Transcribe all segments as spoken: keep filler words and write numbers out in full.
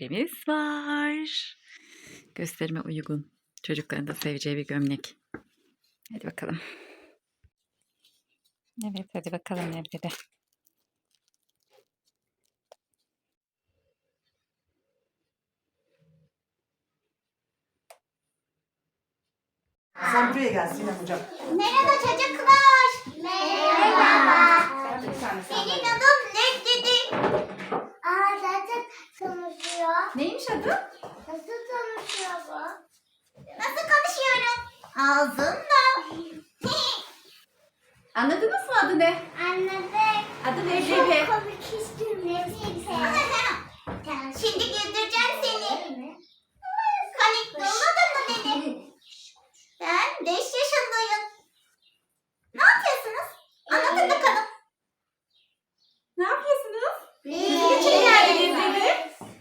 gömleğimiz var. Gösterime uygun. Çocukların da seveceği bir gömlek. Hadi bakalım. Evet, hadi bakalım evde de. Sen buraya gel Sinem hocam. Merhaba çocuklar. Merhaba. Benim adım Necdet'i. Aa zaten konuşuyor. Neymiş adı? Nasıl konuşuyor bu? Nasıl konuşuyorum? Ağzımla. Anladınız mı adı ne? Anladık. Adı Çok Leblebi. komik istiyorum. Şimdi güldüreceğim seni. Komik bulmadın mı beni? Ben beş yaşındayım. Ne yapıyorsunuz? Anlatın bakalım. Ne yapıyorsunuz? Bizim için geldi Leblebi.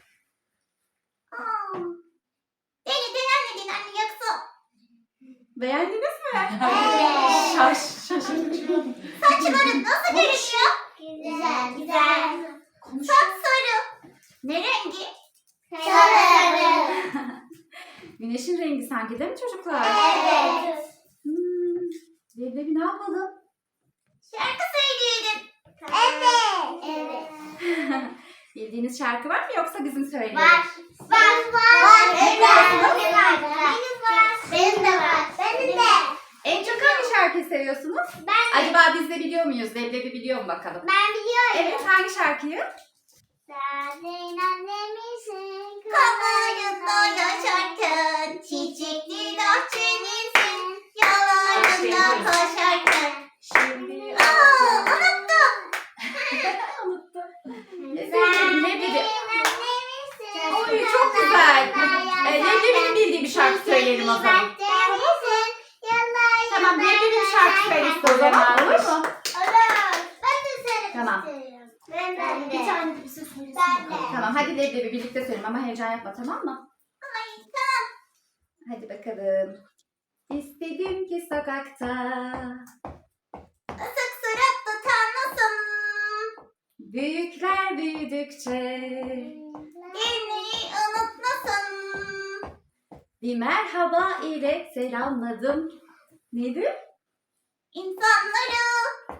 Aa, beni beğenmedin anne yoksa. Beğendiniz mi? Evet. Şaş, şaşırtıcı. Saçların nasıl görünüyor? Güzel, güzel. Çok sarı. Ne rengi? Sarı. Güneşin rengi sanki değil mi çocuklar? Evet. Hmm. Leblebi ne yapalım? Şarkı söyleyelim. Evet. Evet. Bildiğiniz şarkı var mı yoksa bizim söyleyelim? Var. Var. Var. Evet. Benim var. Benim var. Benim de var. Benim de. En çok hangi şarkıyı seviyorsunuz? Ben Acaba biz de biliyor muyuz? Leblebi biliyor mu bakalım? Ben biliyorum. Evet, hangi şarkıyı? Sen annemisin. Kollarında yaşarken, çiçekli bahçemizin yollarında koşarken. Şimdi... Aa, unuttum. Unuttum. Ne söyleyelim Leblebi? Annemizsin. Oy, çok güzel. Ee, Leblebi'nin bildiği bir şarkı söyleyelim o zaman. Tamam, Leblebi bir şarkı söylesin o zaman, olur mu? Olur. Ben de söylemek Tamam. istiyorum. Ben de. Bir tane de bir şey söylesin. Ben de. Tamam, hadi Leblebi birlikte söyleyelim ama heyecan yapma, tamam mı? Ay tamam. Hadi bakalım. İstedim ki sokakta Isık suratlı tanrısın. büyükler büyüdükçe Gelmeyi unutmasın. bir merhaba ile selamladım. Neydi? İnsanları.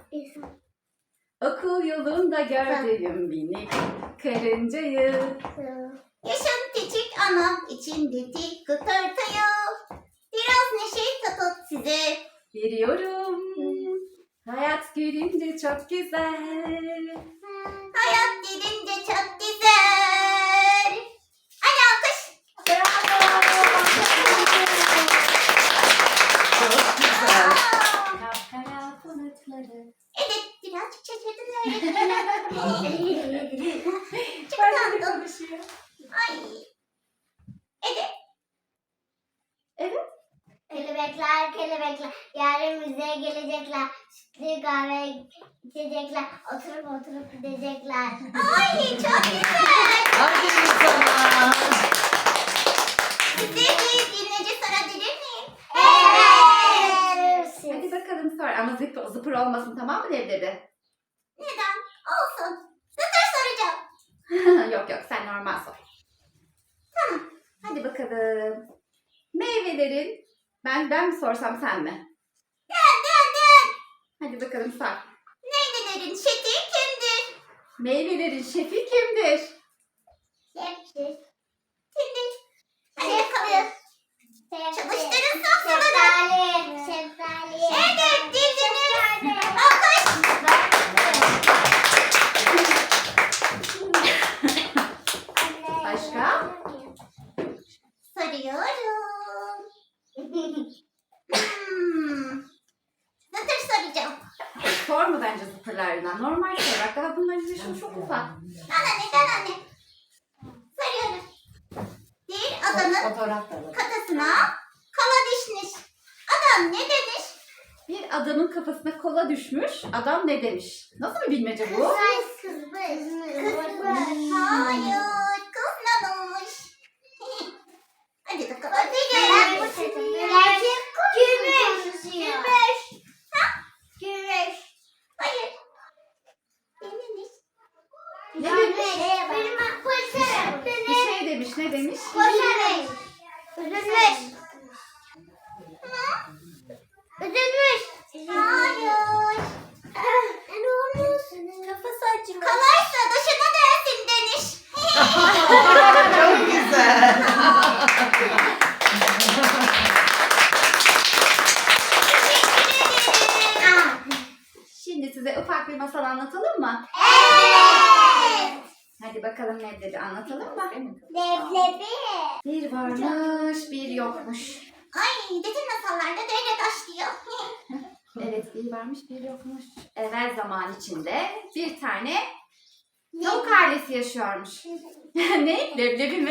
Okul yolunda gördüğüm minik karıncayı. Yaşın küçük ama içindeki kıtırtıyı. Biraz neşe katıp size. Veriyorum. Hayat gülünce çok güzel. Hayat gidince çok güzel. Hadi alkış. Bravo. Çok güzel. Aa, Kapkara bulutları. Evet birazcık şaşırdın öğretmenim. Çok Ben de tatlı. konuşuyor. Ay. Evet. Evet. Kelebekler kelebekler yarın müzeye gelecekler. Sütlü kahve içecekler. Oturup oturup gidecekler. Ay çok güzel. Aferin sana. Size bir dinleyece sorabilir miyim? Evet. Hadi bakalım sor ama zıpır, zıpır olmasın, tamam mı Leblebi? Neden? Olsun. Zıtır soracağım. Yok yok, sen normal sor. Tamam. Hadi bakalım. Meyvelerin, ben ben mi sorsam sen mi? Dön dön dön. Hadi bakalım sor. Neylelerin şefi kimdir? Meyvelerin şefi kimdir? Şeftir. Kimdir? Hadi bakalım. Çalıştırın sofraları. Şeftali. Şeftali. Evet bildiniz. Alkış. Başka? Soruyorum. hmm. Zıtır soracağım. Sorma bence zıpırlarından. Normal sor. Bak daha bunların yaşı çok ufak. Anne neden anne? Soruyorum. Bir adamın kafasına kola düşmüş. Adam ne demiş? Bir adamın kafasına kola düşmüş. Adam ne demiş? Nasıl bir bilmece bu? Kızmış. Kızmış. Hayır. Kızmamış. Hadi bakalım. Gümüş. Gümüş. Gümüş. Ha? Gümüş. Hayır. Dememiş. Ne demiş? Benim akvaryum. Bir şey demiş Ne demiş? Koşarım. Üzülmüş. Üzülmüş. Hayır. Ne olmuş? Kafası acımış. Kalarsa dışına dönsün demiş. Çok güzel. Şimdi size ufak bir masal anlatalım mı? Evet. Hadi bakalım Leblebi anlatalım mı? Leblebi. Bir varmış, bir yokmuş. Ay, bütün masallarda böyle başlıyor. Evet, bir varmış, bir yokmuş. Evvel zaman içinde bir tane tavuk ailesi yaşıyormuş. Ne? Leblebi mi?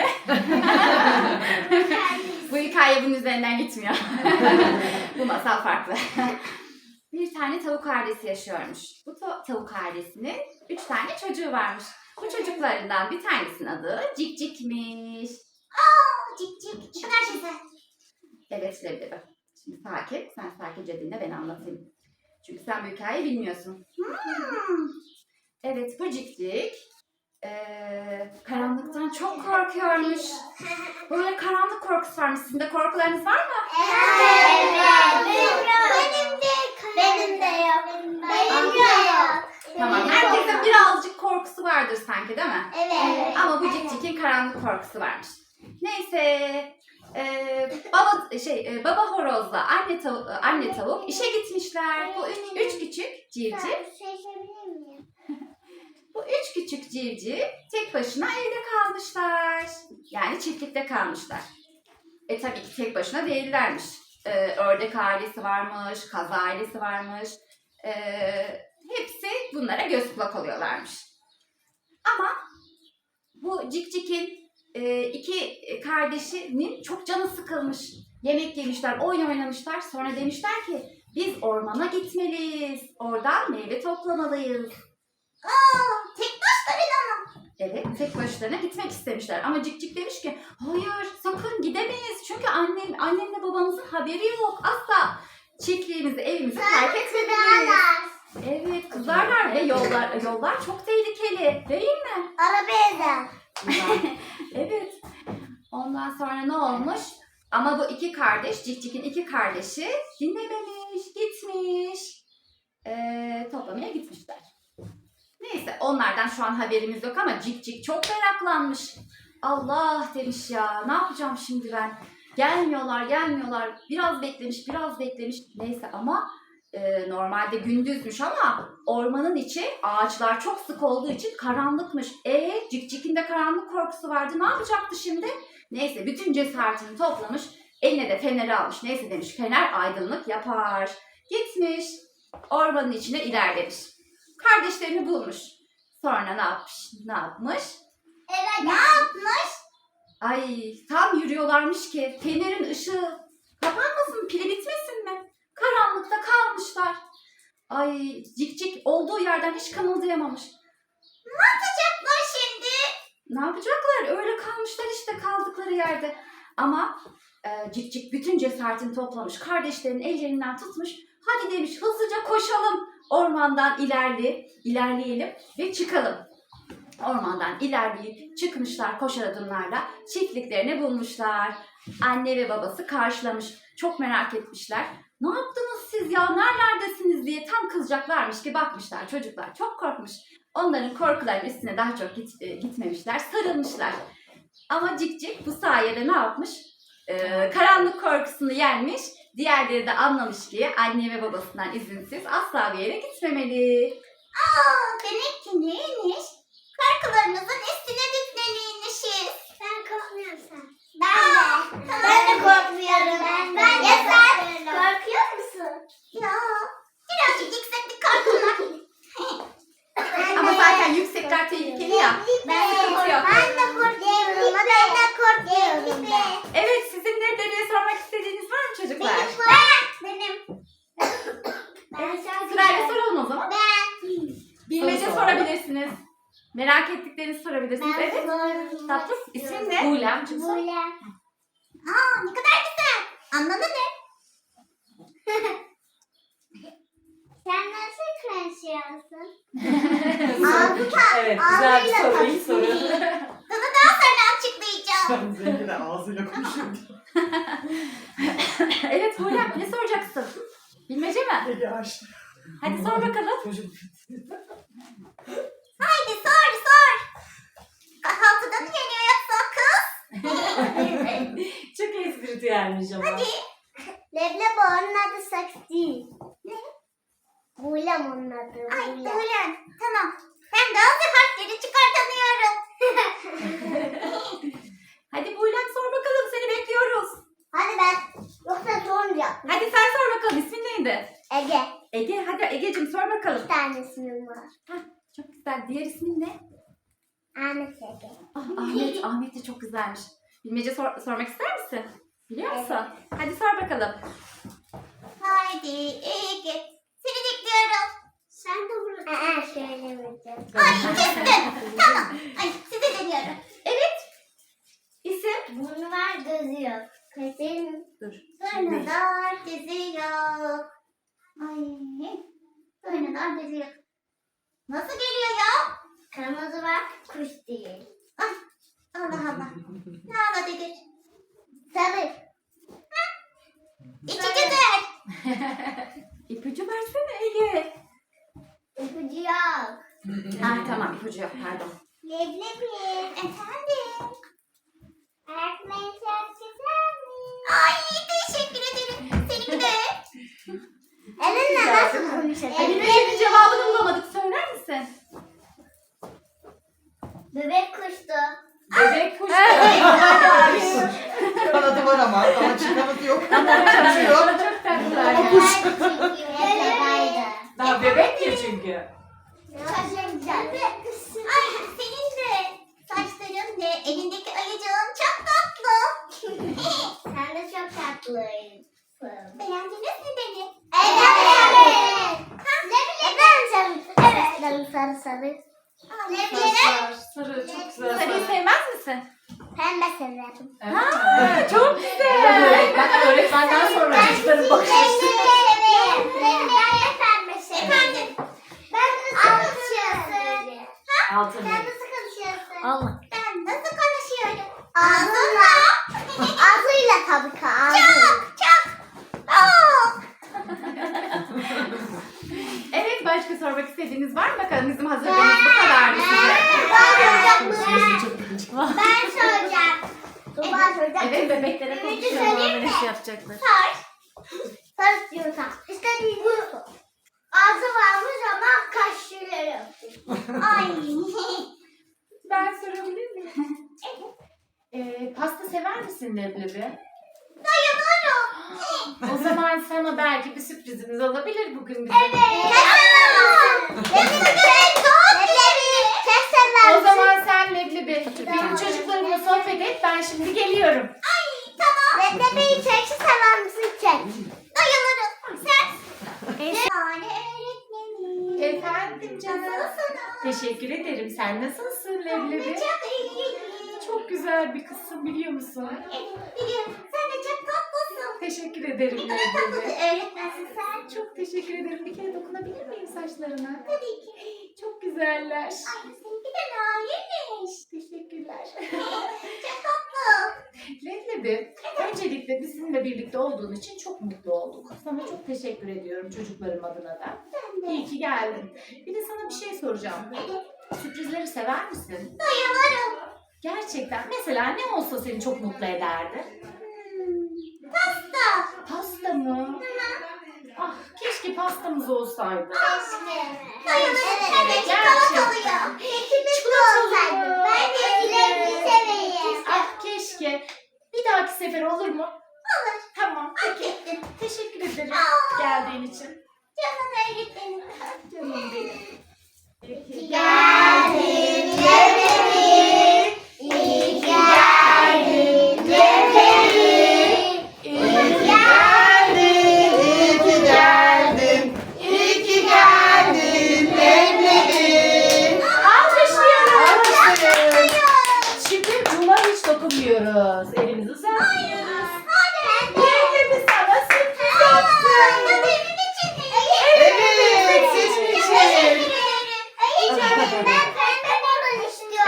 Bu hikaye bunun üzerinden gitmiyor. Bu masal farklı. Bir tane tavuk ailesi yaşıyormuş. Bu ta- tavuk ailesinin üç tane çocuğu varmış. Bu çocuklarından bir tanesinin adı Cikcik'miş. Aa, cik cik. Ne kadar güzel. Evet Leblebi. Şimdi sakin. Sen sakince dinle, ben anlatayım. Çünkü sen bu hikayeyi bilmiyorsun. Hmm. Evet, bu Cikcik eee, karanlıktan çok korkuyormuş. Böyle karanlık korkusu varmış. Sizin de korkularınız var mı? Evet. Benim de. Benim de yok. Benim de yok. Tamam. Herkesin birazcık korkusu vardır sanki, değil mi? Evet. Ama bu Cikcik'in karanlık korkusu varmış. Neyse, eee, baba şey e, baba horozla anne tavuk anne tavuk işe gitmişler. Bu üç, üç küçük civciv, bu üç küçük civciv tek başına evde kalmışlar. Yani çiftlikte kalmışlar. E tabii ki tek başına değillermiş. Ee, ördek ailesi varmış, kaz ailesi varmış. Ee, hepsi bunlara göz kulak oluyorlarmış. Ama bu Cikcik'in e, iki kardeşinin çok canı sıkılmış. Yemek yemişler, oyun oynamışlar. Sonra demişler ki biz ormana gitmeliyiz. Oradan meyve toplamalıyız. Aa, tek başlarına mı? Evet, tek başlarına gitmek istemişler. Ama Cikcik demiş ki hayır, sakın gidemeyiz. Çünkü annem, annemle babamızın haberi yok. Asla çiftliğimizi, evimizi terk etmemeliyiz. Evet, kızarlar ve yollar yollar çok tehlikeli, değil mi? Arabaya Evet. Ondan sonra ne olmuş? Ama bu iki kardeş, Cikcik'in iki kardeşi dinlememiş, gitmiş. Ee, toplamaya gitmişler. Neyse, onlardan şu an haberimiz yok ama Cikcik çok meraklanmış. Allah demiş ya, ne yapacağım şimdi ben? Gelmiyorlar, gelmiyorlar. Biraz beklemiş, biraz beklemiş. Neyse ama e, normalde gündüzmüş ama ormanın içi ağaçlar çok sık olduğu için karanlıkmış. E Cikcik'in de karanlık korkusu vardı. Ne yapacaktı şimdi? Neyse, bütün cesaretini toplamış. Eline de feneri almış. Neyse demiş, fener aydınlık yapar. Gitmiş, ormanın içine ilerlemiş. Kardeşlerini bulmuş. Sonra ne yapmış? Ne yapmış? Evet. Ne yapmış? Ay, tam yürüyorlarmış ki fenerin ışığı kapanmasın, pili bitmesin mi? Karanlıkta kalmışlar. Ay, Cikcik olduğu yerden hiç kımıldayamamış. Ne yapacaklar şimdi? Ne yapacaklar? Öyle kalmışlar işte kaldıkları yerde. Ama e, Cikcik bütün cesaretini toplamış. Kardeşlerinin ellerinden tutmuş. Hadi demiş, hızlıca koşalım. Ormandan ilerle, ilerleyelim ve çıkalım. Ormandan ilerleyip çıkmışlar koşar adımlarla. Çiftliklerini bulmuşlar. Anne ve babası karşılamış. Çok merak etmişler. Ne yaptınız siz ya? Nerelerdesiniz diye tam kızacaklarmış ki bakmışlar. Çocuklar çok korkmuş. Onların korkularının üstüne daha çok git, e, gitmemişler. Sarılmışlar. Ama Cikcik bu sayede ne yapmış? Ee, karanlık korkusunu yenmiş. Diğerleri de anlamış ki anne ve babasından izinsiz asla bir yere gitmemeli. Aa, demek ki neymiş? Korkularınızın üstüne dikleniymişiz. Ben korkmuyorum sen. Ben de. Ben de korkmuyorum. Ben, ben de. Ya sen korkuyor musun? Ya. Birazcık yükseklik korkum var. Ama zaten yüksekler tehlikeli ya. Ben de Sıkıntı yok. Ben de korkuyorum. Ben de korkuyorum. Evet, sizin ne dediğini sormak istediğiniz var mı çocuklar? Benim var. Benim. Evet, sırayla soralım o zaman. Ben. Bilmece Sor. sorabilirsiniz. Merak ettiklerinizi sorabilirsiniz. Evet. Tatlım, ismin ne? Bulem. Böyle. Aa, ne kadar güzel. Anladın mı? Sen nasıl konuşuyorsun? Ağzı ta- Evet, güzel bir ağzıyla soru, iyi tatlı. soru. Sana daha sonra açıklayacağım. Can zengin ağzıyla konuşuyor. Evet Buğra, ne soracaksın? Bilmece mi? Ege açtı. Hadi sor bakalım. Çocuk. Haydi sor sor. Kahvaltıda mı yeniyor yoksa kız? Çok espritüelmiş ama. Hadi. Leblebi onun adı sakız değil. Ne? Buylem onun adı. Ay Buylem. Tamam. Ben de hazır harfleri çıkartamıyorum. Hadi Buğra sor bakalım, seni bekliyoruz. Hadi ben. Yoksa sormayacağım. Hadi sen sor bakalım, ismin neydi? Ege. Ege, hadi Ege'cim sor bakalım. Bir tane ismim var. Hah, çok güzel. Diğer ismin ne? Ahmet Ege. Ah, Ahmet, Ahmet de çok güzelmiş. Bilmece sor- sormak ister misin? Biliyor musun? Hadi sor bakalım. Haydi Ege. Seni bekliyorum. Sen de burada. Aa söylemeyeceğim. Tamam. Ay kestim. Tamam. Ay size deniyorum. Evet. İsim? Burnu var gözü yok. Kaşın Dur. burnu var gözü yok. Ay burnu var gözü yok. Nasıl geliyor ya? Kırmızı var kuş değil. Ay Allah Allah. Ne anladıdır? Sarı. İçicidir. İpucu versene Ege. İpucu yok. Ah tamam, ipucu yok, pardon. Leblebi. Efendim. Öğretmenim çok güzel mi? Ay teşekkür ederim. Seninki de. Elinle nasıl konuşuyorsun? Bilmecenin cevabını bulamadık. Söyler misin? Bebek kuştu. Bebek kuş. Kanadı var ama ama çıkamadı yok. Ama Uçuyor. çok tatlılar. Ama kuş. Daha bebek ya çünkü. Çok güzel. Ay senin de saçların ve elindeki ayıcığın çok tatlı. Sen de çok tatlısın. Beğendiniz mi beni? Evet. Evet. Evet. Sarı sarı. Saçlar, sarı, çok güzel. Sarıyı sarı. sevmez misin? Pembe severim. Evet. Ha, çok güzel. Ben öğretmenden sonra çocukların bakış açısı. severim. Ben de pembe severim. Efendim? Ben nasıl konuşuyorsun? Ha? Altın. Sen nasıl konuşuyorsun? Allah. Ben nasıl konuşuyorum? Ağzımla. Ağzıyla tabii ki ağzıyla. Çok çok. Çok. Evet, başka sormak istediğiniz var mı? Bakalım bizim hazırlığımız bu kadardı size. Ben soracağım. Ben soracağım. Evet, bebeklere Ümidi konuşuyorlar. söyleyeyim mi? yapacaklar. Sor. Sor istiyorsan. İstediğin bunu sor. Ağzı varmış ama kaşları yok. Ay. Ben sorabilir miyim? Ee, pasta sever misin leblebi? Bayılırım. O zaman sana belki bir sürprizimiz olabilir bugün bize. Evet. O zaman sen leblebi benim çocuklarımla sohbet et, ben şimdi geliyorum. Leblebiyi çekçi sever misin çek? Bayılırım. Sen? Yani öğretmenim. Efendim canım. Nasılsın? Teşekkür ederim. Sen nasılsın Ben de leblebi? çok iyiyim. Çok güzel bir kızsın biliyor musun? Evet, biliyorum. Sen de çok tatlısın. Teşekkür ederim Ne kadar tatlı bir leblebi. öğretmensin sen. Çok teşekkür ederim. Bir kere dokunabilir miyim saçlarına? Tabii ki. Çok güzeller. Ay seninki de narinmiş. Teşekkürler. Çok tatlı. Leblebi, öncelikle bizimle birlikte olduğun için çok mutlu olduk. Sana çok teşekkür ediyorum çocuklarım adına da. Ben de. İyi ki geldin. Bir de sana bir şey soracağım. Sürprizleri sever misin? Bayılırım. Gerçekten. Mesela ne olsa seni çok mutlu ederdi? Hmm, Pasta. Pasta mı? Ah, keşke pastamız olsaydı. Bayılırım. Hem de Gerçekten. çikolatalı. Kekimiz de Çikolatalı olsaydı. mı? Ben de çilekli seveyim. Ah, keşke. Bir dahaki sefer olur mu? Olur. Tamam, Hak peki. ettin. Teşekkür ederim Aa. geldiğin için. Canım öğretmenim. Canım benim. Peki. Geldin leblebi. İyi ki geldin leblebi. İyi ki Geldin, iyi ki geldin. İyi ki geldin leblebi. Alkışlıyoruz. Alkışlayın. Şimdi buna hiç dokunmuyoruz. Elimizi uzatmıyoruz. Leblebi sana sürpriz yaptı. Evet, sizin için. Ben pembe balon istiyorum.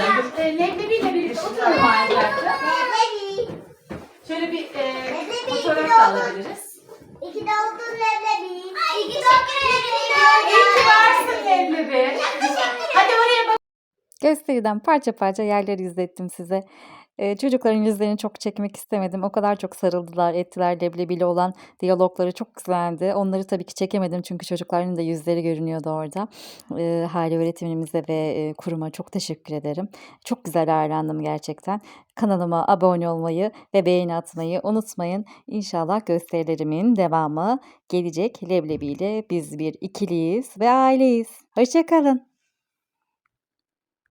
E, Leblebiyle birlikte oturalım arkadaşlar. Leblebi. Şöyle bir e, Leblebi, fotoğraf iki da oldu. alabiliriz. İki doğdun leblebi. İki doğdun leblebi. İyi ki varsın Leblebi. Hadi oraya bak. Gösteriden parça parça yerleri izlettim size. Ee, çocukların yüzlerini çok çekmek istemedim. O kadar çok sarıldılar, ettiler. Leblebiyle olan diyalogları çok güzeldi. Onları tabii ki çekemedim çünkü çocukların da yüzleri görünüyordu orada. Ee, Hale öğretmenimize ve e, kuruma çok teşekkür ederim. Çok güzel ağırlandım gerçekten. Kanalıma abone olmayı ve beğeni atmayı unutmayın. İnşallah gösterilerimin devamı gelecek. Leblebiyle biz bir ikiliyiz ve aileyiz. Hoşça kalın.